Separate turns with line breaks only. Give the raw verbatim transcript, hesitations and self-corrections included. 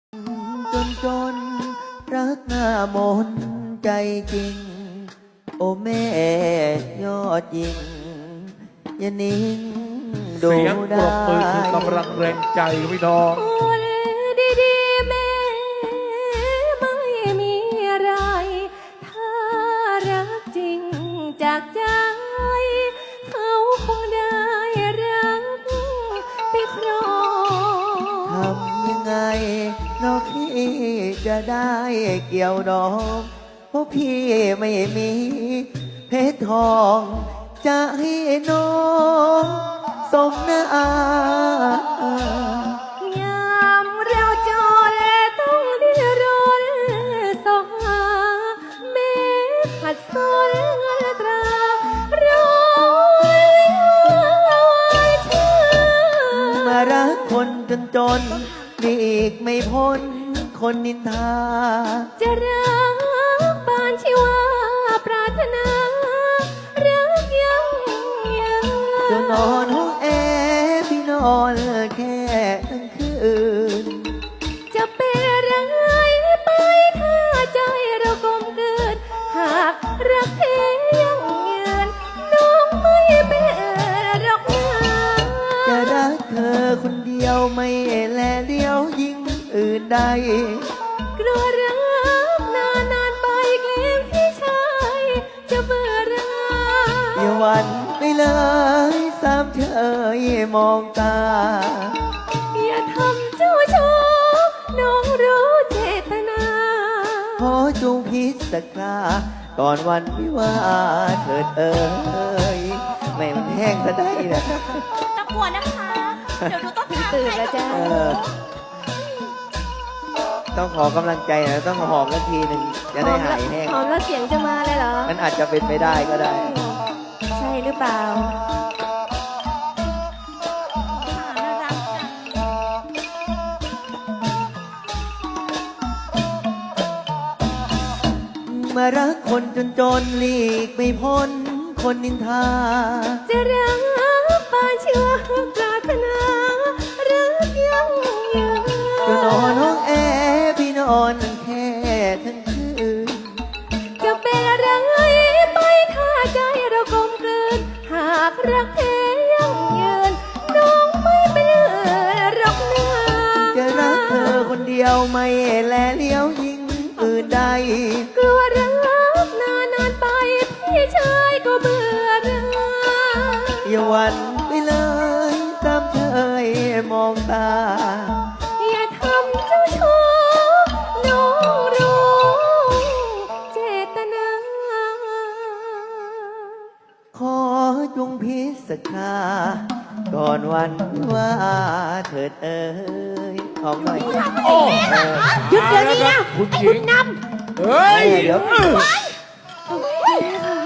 จนจนรักหน้ามนใจจริงโอแม่ยอดยิงอย่านิ่งดู
เสียงปร
ได้
บมือคือกำลังแรงใจพี่น้อง
คนดีๆแม่ไม่มีอะไร ถ้ารักจริงจากใจ เขาคงได้รักไปครอง
ทำยังไงน้องพี่จะได้เกี่ยวดองเพราะพี่ไม่มีเพชรทอง จะให้น้องสมหน้าย
ามเราจรต้องดิ้นรนสอหาแม่ขัดสนเงินตราร้อยชื่อ
มารักคนจนจนหลีกไม่พ้นคนนินทา
จะรักปานชีวาปรารถนารักยังยืน
จะนอนห้องแอร์พี่นอนแค่ทั้งคืน
จะเป็นอะไรไปถ้าใจเรากลมเกินหากรักเพียงยืนน้องไม่เป็นรักนา
จะรักเธอคนเดียวไม่แลเลี้ยวยิ่งอื่นใด
กลัวรักนานนานๆไปเกมพี่ชายจะเบื่อรัก
อย่าหวันไปเลยสามเฉยมองตา
อย่าทำเจ้าชู้น้องรู้เจตนา
ขอจงพิจารณาก่อนวันวิวาห์เถิดเอ่ยไม่มันแห้งซะได้นะ
ตะกวนนะคะ เดี๋ยวดูต้นทาง
ตื่นแล้วจ้า
เออ ต้องขอกำลังใจนะต้องหอมสักทีหนึ่งจะได้หายแห้ง
หอมแล้วเสียงจะมาเลยเหรอ
มันอาจจะเป็นไปได้ก็ได้
ใช่หรือเปล่า
น่ารักจัง
มารักคนจนจนหลีกไม่พ้นคนนินทา
จะรักปานเชื่อปรารถนารักยังยืน
จะนอนห้องแอร์พี่นอนแค่ทั้งคืน
จะเป็นอะไรไปถ้าใจเรากลมกลืนหากรักแท้ยังยืนน้องไม่เป็นรักนา
จะรักเธอคนเดียวไม่แลเลี้ยวยิ่งอื่นใด
กลัวรักนานนานๆไปพี่ชายก็เบื่อรัก
อย่าหวันไปเลยตามเธยมองตา
อย่าทำเจ้าชู้น้องรู้เจตนา
ขอจงพิจารณาก่อนวันว่าเถิดเอ่ยหอมหน่อย
โอ้
เออ
หยุดเดี๋ยวนี้นะคุณหญิงเฮ้ย
เดี๋ยว
โอเคค่ะ